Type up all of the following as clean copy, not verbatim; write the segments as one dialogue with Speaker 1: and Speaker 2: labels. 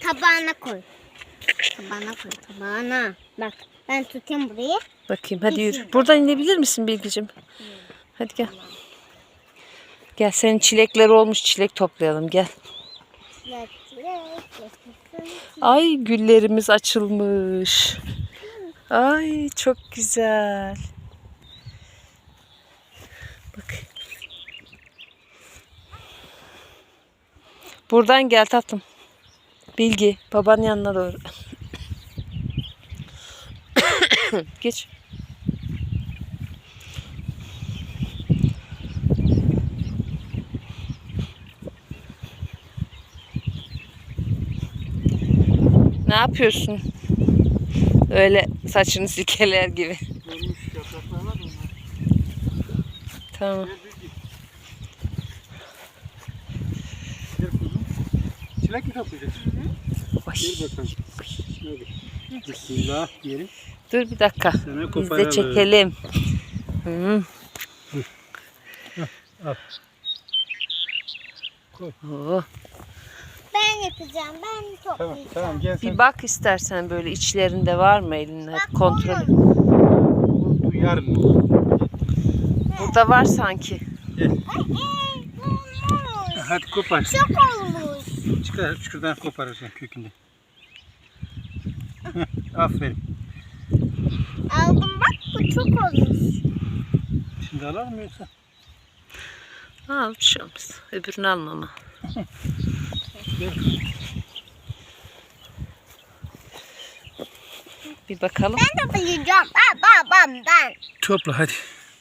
Speaker 1: tabağına koy. Tabağına koy, tabağına. Bak ben tutayım burayı.
Speaker 2: Bakayım hadi yürü. Buradan inebilir misin Bilgicim? Hadi gel. Gel senin çilekler olmuş, çilek toplayalım gel. Ay güllerimiz açılmış. Ay çok güzel. Bak. Buradan gel tatlım. Bilgi babanın yanına doğru. Geç. Ne yapıyorsun? Öyle saçını silkeler gibi. Tamam.
Speaker 3: Çilek mi toplayacaksın? Gel bakalım. Hadi. Bismillah diyelim.
Speaker 2: Dur bir dakika.
Speaker 3: Sana
Speaker 2: Biz de çekelim.
Speaker 3: Al. Koy.
Speaker 2: Oh.
Speaker 1: Ben yapacağım. Ben
Speaker 3: Tamam,
Speaker 1: toplayacağım.
Speaker 3: tamam gel sen.
Speaker 2: Bir bak istersen böyle içlerinde var mı elinde?
Speaker 1: Bak,
Speaker 2: Kontrol et.
Speaker 3: Bu yarın olur.
Speaker 2: Burada var sanki.
Speaker 3: Gel.
Speaker 1: Olmuş.
Speaker 3: Hadi kopar.
Speaker 1: Çok olmuş.
Speaker 3: Çıkar şuradan koparırsın kökünden. Aferin.
Speaker 1: Aldım bak bu çok olmuş.
Speaker 3: Şimdi alalım mı yoksa?
Speaker 2: Al bir şey olmaz. Öbürünü alma ama.
Speaker 3: Gel.
Speaker 2: Bir bakalım.
Speaker 1: Ben toplayacağım. Ben.
Speaker 3: Topla hadi.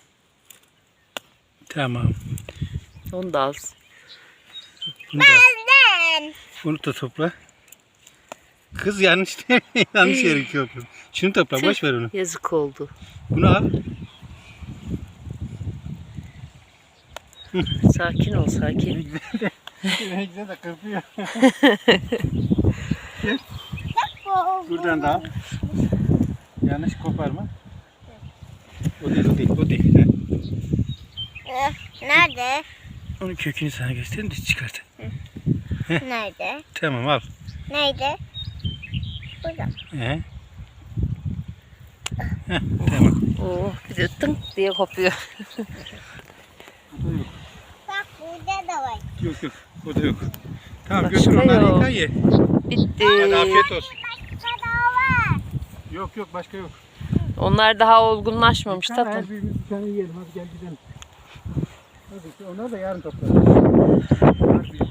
Speaker 3: Tamam.
Speaker 2: Onu da al.
Speaker 3: Bunu da,
Speaker 1: Ben.
Speaker 3: bunu da topla. Kız yanlış yanlış yere köprü. Şunu topla, boş ver onu.
Speaker 2: Yazık oldu.
Speaker 3: Bunu al.
Speaker 2: Sakin ol sakin.
Speaker 3: Ne güzel de kırpıyor. Buradan da al. Yanlış koparma. O değil.
Speaker 1: Nerede?
Speaker 3: Onun kökünü sana göstereyim de çıkart.
Speaker 1: Nerede?
Speaker 3: Tamam al.
Speaker 1: Nerede? Burada.
Speaker 3: He. Tamam.
Speaker 2: Oh, bir de tınk diye kopuyor.
Speaker 1: Bak burada da var.
Speaker 3: Yok o da yok. Tamam
Speaker 2: Başka
Speaker 3: götür onları
Speaker 2: yok.
Speaker 3: yıka ye.
Speaker 2: Bitti.
Speaker 3: Hadi afiyet olsun.
Speaker 1: Başka da var.
Speaker 3: Yok başka yok.
Speaker 2: Onlar daha olgunlaşmamış
Speaker 3: Her
Speaker 2: tatlım.
Speaker 3: birimiz bir tane yiyelim hadi gel gidelim. Hadi onlar da yarın toplarız.